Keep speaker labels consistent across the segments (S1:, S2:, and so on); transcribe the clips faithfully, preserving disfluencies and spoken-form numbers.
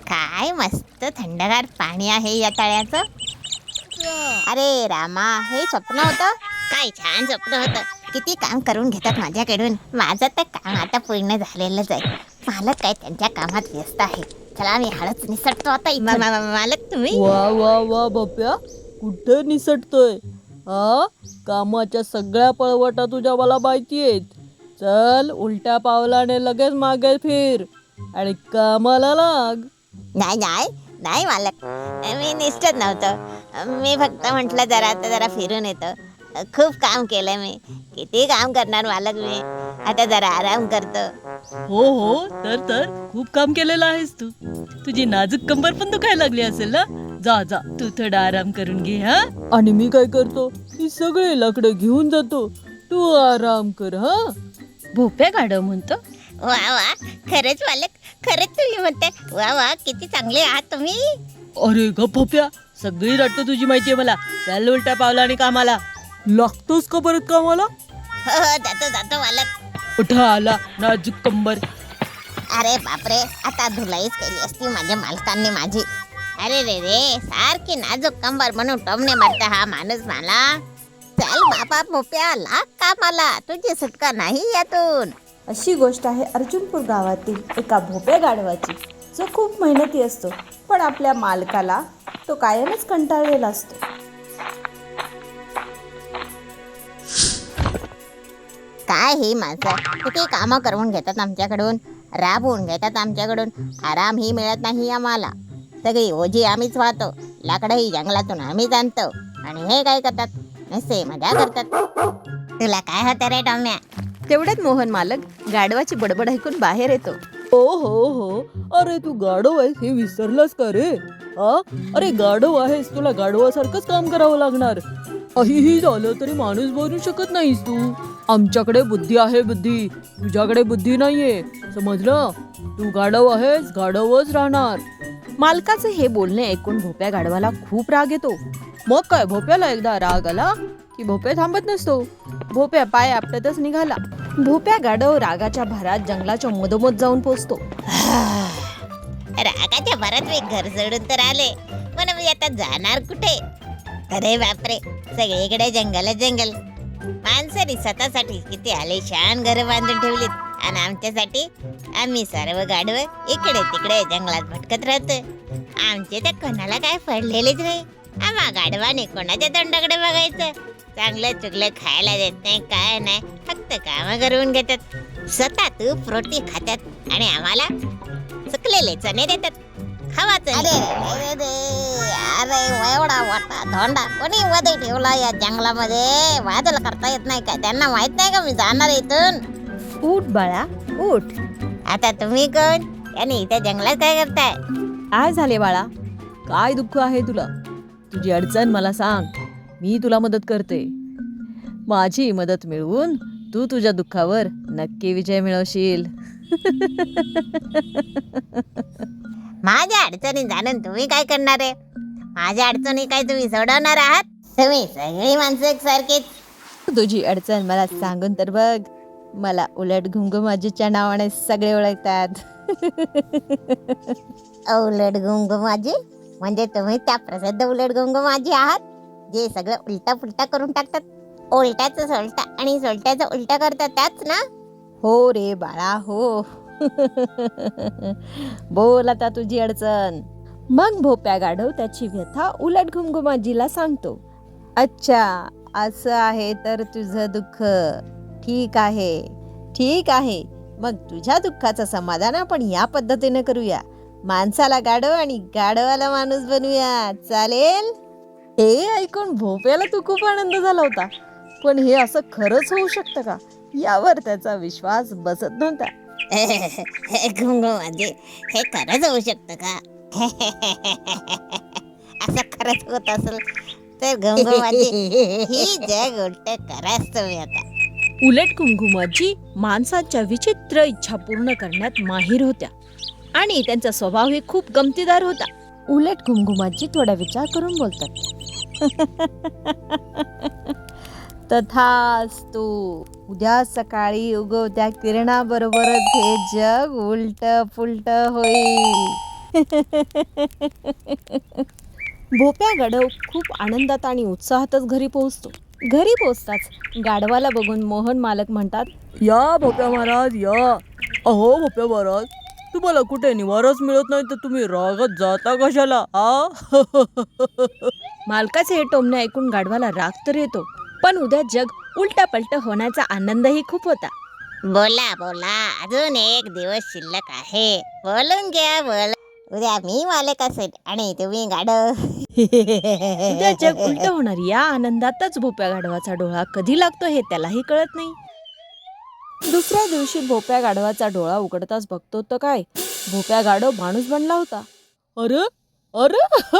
S1: काय मस्त थंडगार पाणी आहे या तळ्याचं. अरे रामा, हे स्वप्न होतं काय? छान स्वप्न होतं. किती काम करून घेतात माझ्याकडून. माझं तर काम आता पूर्ण झालेलंच आहे. मालक काय त्यांच्या कामात व्यस्त आहे. चला मी हळूच निसटतो आता इथून. मा- मा- मालक तुम्ही
S2: वा वा वा बप्या, कुठे निसटतोय? हा, कामाच्या सगळ्या पळवटा तुझ्या मला माहिती आहेत. चल, उलट्या पावलाने लगेच मागे फिर आणि कामाला लाग.
S1: नाही नाही नाही मालक, मी निष्ठत नव्हतं. मी फक्त म्हटलं जरा आता जरा फिरून येतो. खूप काम केलं मी. किती काम करणार मालक मी. आता जरा आराम करतो.
S2: हो हो, तर तर खूप काम केलेलं आहेस तू. तुझी नाजूक कंबर पण दुखायला लागली असेल ना. जा जा, तू थोडा आराम करून घे. हा, आणि मी काय करतो, ही सगळे लाकडं घेऊन जातो. तू आराम कर. हा, भोप्या गाडव म्हणतो.
S1: वा वा, खरंच मालक, खरंच तुम्ही म्हणताय. वा वा, किती चांगले आहात तुम्ही.
S2: अरे ग भोप्या, सगळी रट्ट तुझी माहितीये मला. चल उलट्या पावलाने कामाला. लागतोस का परत कामाला?
S1: हो हो, जातो जातो मालक.
S2: उठा आला नाजूक कंबर.
S1: अरे बापरे, आता धुलाईच केली असती माझ्या मालकांनी माझी. अरे रे रे, सारखी नाजूक कंबर म्हणून टोमणे मारता हा माणूस मला. चल बाबा भोप्या, लाग कामाला, तुझी सुटका नाही यातून.
S3: अशी गोष्ट आहे अर्जुनपूर गावातील एका भोप्या गाढवाची, जो खूप मेहनती असतो, पण आपल्या मालकाला तो कायमच कंटाळलेला असतो.
S1: काय ही माणसं किती कामं करून घेतात आमच्याकडून, राबवून घेतात आमच्याकडून. आरामही मिळत नाही आम्हाला. सगळी ओझी आम्हीच वाहतो, लाकडंही जंगलातून आम्हीच आणतो, आणि हे काय करतात, नसे मजा करतात. तुला काय होतं रे टॉम्या?
S3: तेवढ्यात मोहन मालक गाढवाची बडबड ऐकून बाहेर येतो.
S2: हो हो हो, अरे तू गाढव आहेस हे विसरलास का रे? हा, अरे गाढव आहेस, तुला गाढवासारखंच काम करावं लागणार. काहीही झालं तरी माणूस बनू शकत नाहीस तू. आमच्याकडे बुद्धी आहे बुद्धी, तुझ्याकडे बुद्धी नाहीये, समजलं? तू गाढव आहेस, गाढवच राहणार.
S3: मालकाचे हे बोलणे ऐकून भोप्या गाढवाला खूप राग येतो.
S2: मग काय, भोप्याला एकदा राग आला की भोप्या थांबत नसतो. भोप्या पाय आपटतच निघाला.
S3: भोप्या गाढव रागाच्या भरात जंगलाच्या मधोमध जाऊन पोचतो.
S1: रागाच्या भरात मी घर सोडून तर आले, पण मी आता जाणार कुठे? अरे बापरे, सगळीकडे जंगल जंगल. माणसाने स्वतःसाठी किती आलिशान घर बांधून ठेवलीत, आणि आमच्यासाठी आम्ही सर्व गाढव इकडे तिकडे जंगलात भटकत राहतो. आमचे तर कोणाला काय पडलेलेच नाही. आम्हा गाढवाने कोणाच्या तोंडाकडे बघायचं? चांगलं चुकलं खायला देत नाही, काय नाही, फक्त कामं करून घेतात. स्वतः तूप रोटी खातात आणि आम्हाला चुकलेले चणे देतात. खावाचं. अरे रे रे, अरे एवढा मोठा धोंडा कोणी मध्ये ठेवला या जंगलामध्ये? वादळ करता येत नाही का त्यांना? माहित नाही का मी जाणार इथून?
S3: उठ बाळा, उठ.
S1: आता तुम्ही कोण आणि इथे जंगलात काय करताय?
S3: काय झाले बाळा?
S2: काय दुःख आहे तुला? तुझी अडचण मला सांग, मी तुला मदत करते. माझी मदत मिळवून तू तुझ्या दुःखावर नक्की विजय मिळवशील.
S1: माझ्या अडचणी जाणून तुम्ही काय करणार आहे? माझ्या अडचणी काय तुम्ही सोडवणार आहात? तुम्ही सगळी माणसं एकसारखीच.
S3: तुझी अडचण मला सांगून तर बघ. मला उलट घुंगुमाजीच्या नावाने सगळे ओळखतात.
S1: उलट गुंगुमाजी म्हणजे तुम्ही त्या प्रसिद्ध उलट गुंगुमाजी आहात, जे सगळं उलटा पुलटा करून टाकतात. उलट्याचं सोलटा आणि सोलट्याचं उलटा करतात, त्याच ना?
S3: हो रे बाळा, हो. बोल आता तुझी अडचण. मग भोप्या गाढव त्याची व्यथा उलट घुमघुमाजीला सांगतो. अच्छा, असं आहे तर तुझं दुःख. ठीक आहे, ठीक आहे. मग तुझ्या दुःखाचं समाधान आपण या पद्धतीने करूया. माणसाला गाढव आणि गाढवाला माणूस बनवूया, चालेल?
S2: हे ऐकून भोप्याला तू खूप आनंद झाला होता, पण हे असं खरंच होऊ शकतं का, यावर त्याचा विश्वास बसत नव्हता.
S1: घुंगुमाजी, हे खरंच होऊ शकतं का? असं खरंच होत असेल तर घुंगुमाजी, ही जग उलट कराच तुम्ही आता.
S3: उलट घुमघुमाजी माणसाच्या विचित्र इच्छा पूर्ण करण्यात माहीर होत्या आणि त्यांचा स्वभाव हे खूप गमतीदार होता. उलट घुमघुमाजी थोडा विचार करून बोलतात. तथास्तु. उद्या सकाळी उगवत्या किरणाबरोबरच हे जग उलट पुलट होईल. भोप्या गाढव खूप आनंदात आणि उत्साहातच घरी पोहोचतो. घरी पोहोचताच गाढवाला बघून मोहन मालक म्हणतात,
S2: या भोप्या महाराज या. अहो भोप्या महाराज, तुम्हाला कुठे निवाराच मिळत नाही तर तुम्ही रागात जाता कशाला आ?
S3: मालकाचे हे टोमणे ऐकून गाढवाला राग तर येतो, पण उद्या जग उलटा पलट होण्याचा आनंदही खूप होता.
S1: बोला बोला, अजून एक दिवस शिल्लक आहे. बोलून घ्या बोल. उद्या मी मालक असेल आणि तुम्ही गाढव.
S3: उद्या जग उलट होणार या आनंदातच भोप्या गाढवाचा डोळा कधी लागतो हे त्यालाही कळत नाही. दुसऱ्या दिवशी भोप्या गाढवाचा डोळा उघडताच बघतो तर काय, भोप्या गाढव माणूस बनला होता.
S2: अरे अरे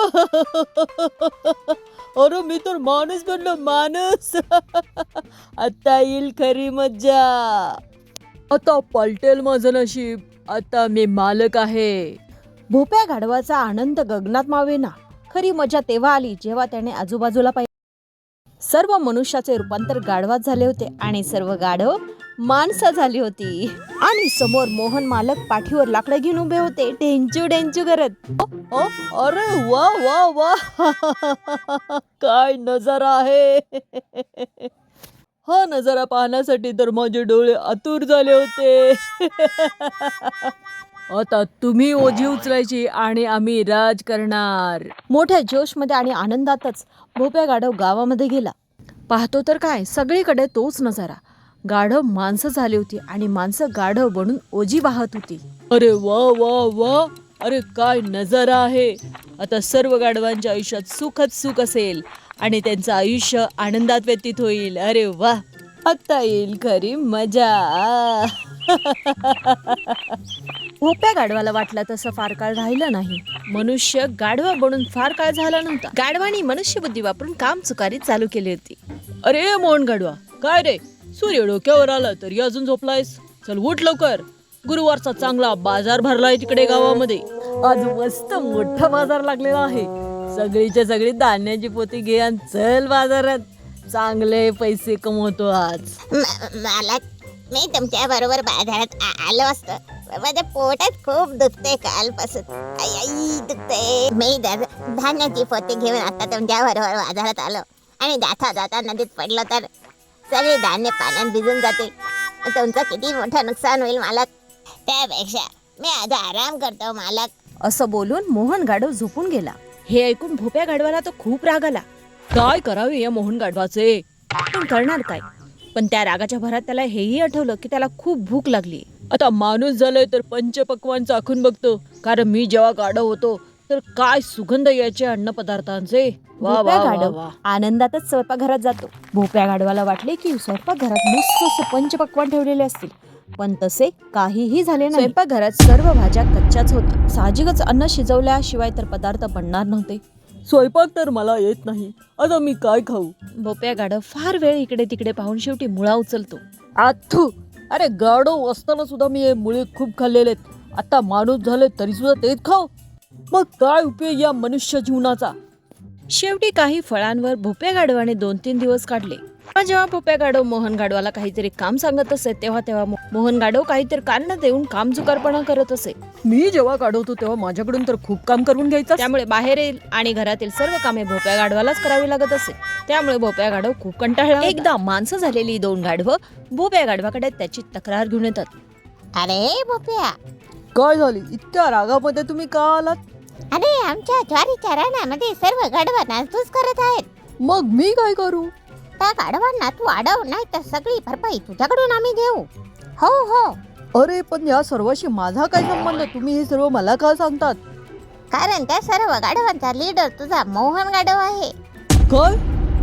S2: अरे मी तर माणूस बनलो, माणूस. आता येईल खरी मज्जा. आता पलटेल माझं नशीब. आता मी मालक आहे.
S3: भोप्या गाढवाचा आनंद गगनात मावेना. खरी मजा तेव्हा आली जेव्हा त्याने आजूबाजूला पाहिले. सर्व मनुष्याचे रूपांतर गाढवात झाले होते आणि सर्व गाढव माणसं झाली होती. आणि समोर मोहन मालक पाठीवर लाकडं घेऊन उभे होते, ढेंचू ढेंचू करत.
S2: अ, अरे वा वा वा. काय नजारा आहे. हा नजारा पाहण्यासाठी तर माझे डोळे आतुर झाले होते. आता तुम्ही ओझी उचलायची आणि आम्ही राज करणार.
S3: मोठ्या जोशमध्ये आणि आनंदातच भोप्या गाढव गावामध्ये गेला. पाहतो तर काय, सगळीकडे तोच नजारा. गाढव माणसं झाली होती आणि माणसं गाढव बनून ओझी वाहत होती.
S2: अरे वा वा वा. अरे काय नजारा आहे. आता सर्व गाढवांच्या आयुष्यात सुखच सुख असेल आणि त्यांचं आयुष्य आनंदात व्यतीत होईल. अरे वा,
S3: आता येईल खरी मजा. भोप्या गाढवाला वाटलं तसं फार काळ राहिलं नाही. मनुष्य गाढवा बनून फार काळ झाला नव्हता. गाढवानी मनुष्य बुद्धी वापरून काम चुकारी चालू केली होती.
S2: अरे मोहन गाढवा, काय रे, सूर्य डोक्यावर आला तरी अजून झोपलायस? चल उठ लवकर. गुरुवारचा चांगला बाजार भरलाय तिकडे गावामध्ये. आज मस्त मोठा बाजार लागलेला आहे. सगळीच्या सगळी धान्याची पोती घे आणि चल बाजारात. चांगले पैसे कमवतो आज.
S1: म- मालक, मी तुमच्या बरोबर बाजारात आ- आलो असतो. माझ्या पोटात खूप दुखते कालपासून. आई आई दुखते. मी धा- धान्याची पोती घेऊन आता तुमच्या बरोबर बाजारात आलो आणि जाता जाता नदीत पडलो तर सगळे धान्य पाण्यात भिजून जाते. तुमचं किती मोठं नुकसान होईल मालक. त्यापेक्षा मी आता आराम करतो मालक.
S3: असं बोलून मोहन गाढव झोपून गेला. हे ऐकून भोप्या गाढवाला तो खूप राग आला.
S2: काय करावे या मोहन गाढवाचे.
S3: पण करणार काय. पण त्या रागाच्या भरात त्याला हेही आठवलं की त्याला खूप भूक लागली.
S2: आता माणूस झालोय तर पंचपक्वान चाखून बघतो. कारण मी जेव्हा गाढव होतो तर काय सुगंध यायचे अन्न पदार्थांचे. वा वा
S3: भोप्या
S2: वा
S3: गाढव
S2: वा.
S3: आनंदातच स्वयंपाकघरात जातो. भोप्या गाढवाला वाटले की स्वयंपाकघरात मस्त असे पंचपक्वान ठेवलेले असतील, पण तसे काहीही झाले नाही. स्वयंपाकघरात सर्व भाज्या कच्च्याच होत्या. साहजिकच अन्न शिजवल्याशिवाय तर पदार्थ बनणार नव्हते.
S2: स्वयंपाक तर मला येत नाही. आता मी काय खाऊ.
S3: भोप्या गाढव फार वेळ इकडे तिकडे पाहून शेवटी मुळा उचलतो.
S2: आथू. अरे गाढव असताना सुद्धा मी हे मुळे खूप खाल्लेले आहेत. आता माणूस झाले तरी सुद्धा तेच खाऊ. मग काय उपयोग या मनुष्य जीवनाचा.
S3: शेवटी काही फळांवर भोप्या गाढवाने दोन तीन दिवस काढले. पण जेव्हा भोप्या गाढव मोहन गाढवाला काहीतरी काम सांगत असे तेव्हा तेव्हा मो- मोहन गाढव काहीतरी कारण देऊन काम चुकारपणा करत असे.
S2: मी जेव्हा काढवतो तेव्हा माझ्याकडून तर खूप काम करून घ्यायचं.
S3: त्यामुळे बाहेरील आणि घरातील सर्व कामे भोप्या गाढवालाच करावी लागत असे. त्यामुळे भोप्या गाढव खूप कंटाळला. एकदा माणसं झालेली दोन गाढवं भोप्या गाढवाकडे त्याची तक्रार घेऊन येतात.
S1: अरे भोप्या,
S2: काय झाली इतक्या रागामध्ये तुम्ही का आलात.
S1: अरे आमच्या ज्वारीच्या रानामध्ये सर्व गाढवा नासधूस करत आहेत.
S2: मग मी काय करू.
S1: त्या गाढवांना तू अडव, नाही तर सगळी भरपाई तुझ्याकडून आम्ही घेऊ. हो हो,
S2: अरे पण या सर्वाशी माझा काय संबंध. तुम्ही हे सर्व मला का सांगतात.
S1: कारण त्या सर्व गाढवांचा लीडर तुझा मोहन गाढव आहे.
S2: काय.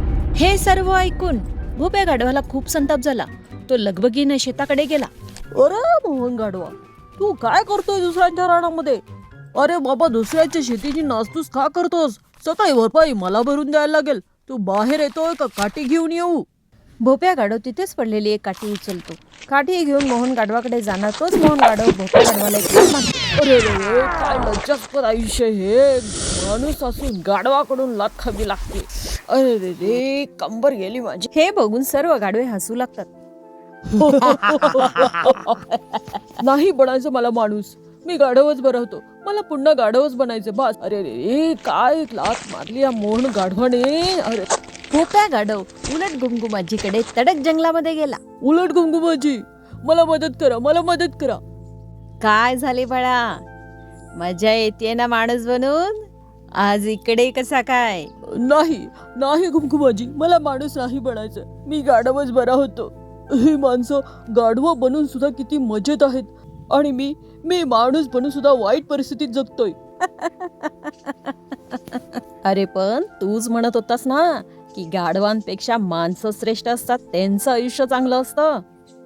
S3: हे सर्व ऐकून भोप्या गाढवाला खूप संताप झाला. तो लगबगीने शेताकडे गेला.
S2: अरे मोहन गाढवा, तू काय करतोय दुसऱ्यांच्या रानामध्ये. अरे बाबा, दुसऱ्याच्या शेतीची नासधूस का करतोस. सकाळी भरपाई मला भरून द्यायला लागेल. तू बाहेर येतोय का काठी घेऊन येऊ.
S3: भोप्या गाढव तिथेच पडलेली एक काठी उचलतो. काठी घेऊन मोहन गाढवाकडे जाणार तोच मोहन गाढव भोप्या गाढवाला एक लाथ मारतो.
S2: अरे रे रे, काय लज्जास्पद आयुष्य हे. माणूस असून गाढवाकडून लाथ खावी लागते. अरे रे रे, कंबर गेली माझी.
S3: हे बघून सर्व गाढवे हसू लागतात.
S2: नाही बनायचं मला माणूस. मी गाढवच बरा होतो. मला पुन्हा गाढवच बनायचं बस. अरे रे काय लात मारली या मोहन गाढवाने. अरे
S3: भोप्या गाढव उलट घुमघुमाजीकडे तडक जंगलामध्ये गेला.
S2: उलट घुंगुमाजी, मला मदत करा, मला मदत करा.
S3: काय झाले बाळा, मजा येते ना माणूस बनून? आज इकडे कसा काय?
S2: नाही नाही घुमघुमाजी, मला माणूस नाही बनायचं. मी गाढवच बरा होतो. ही माणसं गाढवं बनून सुद्धा किती मजेत आहेत आणि मी मी माणूस बनून सुद्धा वाईट परिस्थितीत जगतोय.
S3: अरे पण तूच म्हणत होतास ना की गाढवांपेक्षा माणसं श्रेष्ठ असतात, त्यांचं आयुष्य चांगलं असतं.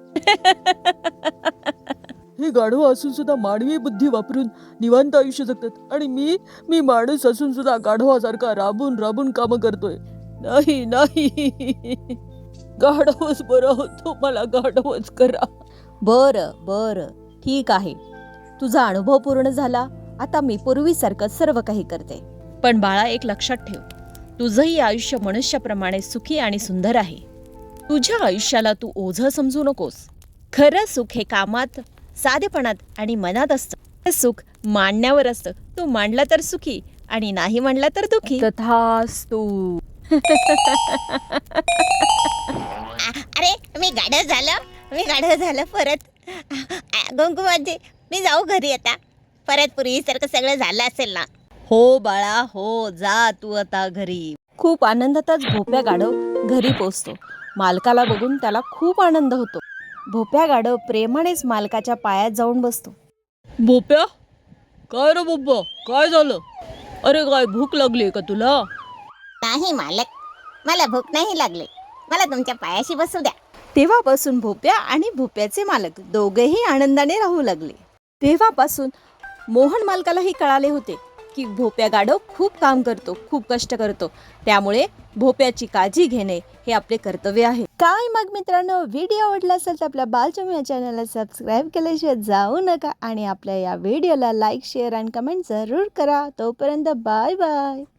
S2: हे गाढवं असून सुद्धा मानवी बुद्धी वापरून निवांत आयुष्य जगतात आणि मी मी माणूस असून सुद्धा गाढवासारखा राबून राबून कामं करतोय. नाही नाही, गाढवच बरा होतो, मला गाढवच करा.
S3: बरं बरं ठीक आहे, तुझा अनुभव पूर्ण झाला. आता मी पूर्वीसारखं सर्व काही करते. पण बाळा, एक लक्षात ठेव, तुझंही आयुष्य मनुष्याप्रमाणे सुखी आणि सुंदर आहे. तुझ्या आयुष्याला तू ओझं समजू नकोस. खरं सुख हे कामात, साधेपणात आणि मनात असतं. हे सुख मांडण्यावर असतं. तू मांडला तर सुखी आणि नाही मांडला तर दुखी.
S2: तथास्तु.
S1: आ- अरे मी गाढव झालं, मी गाढव झालं परत. घुंगुमाजी, मी जाऊ घरी आता. परत पूर्वीसारखं सगळं झालं असेल ना?
S3: हो बाळा हो, जा तू आता घरी. खूप आनंदातच भोप्या गाढव घरी पोचतो. मालकाला बघून त्याला खूप आनंद होतो. भोप्या गाढव प्रेमानेच मालकाच्या पायात जाऊन बसतो.
S2: बोप्या, काय रे बोप्पा, काय झालं? अरे काय भूक लागली का तुला?
S1: नाही मालक, मला भूक नाही लागली. मला तुमच्या पायाशी बसू द्या.
S3: तेव्हापासून भोप्या आणि भोप्याचे मालक दोघेही आनंदाने राहू लागले. तेव्हापासून मोहन मालकालाही कळाले होते की भोप्या गाढव खूप काम करतो, खूप कष्ट करतो. त्यामुळे भोप्याची काळजी घेणे हे आपले कर्तव्य आहे. काय मग मित्रांनो, व्हिडिओ आवडला असेल तर आपल्या बालचम या चॅनलला सबस्क्राईब केल्याशिवाय जाऊ नका आणि आपल्या या व्हिडिओला लाईक, शेअर आणि कमेंट जरूर करा. तोपर्यंत बाय बाय.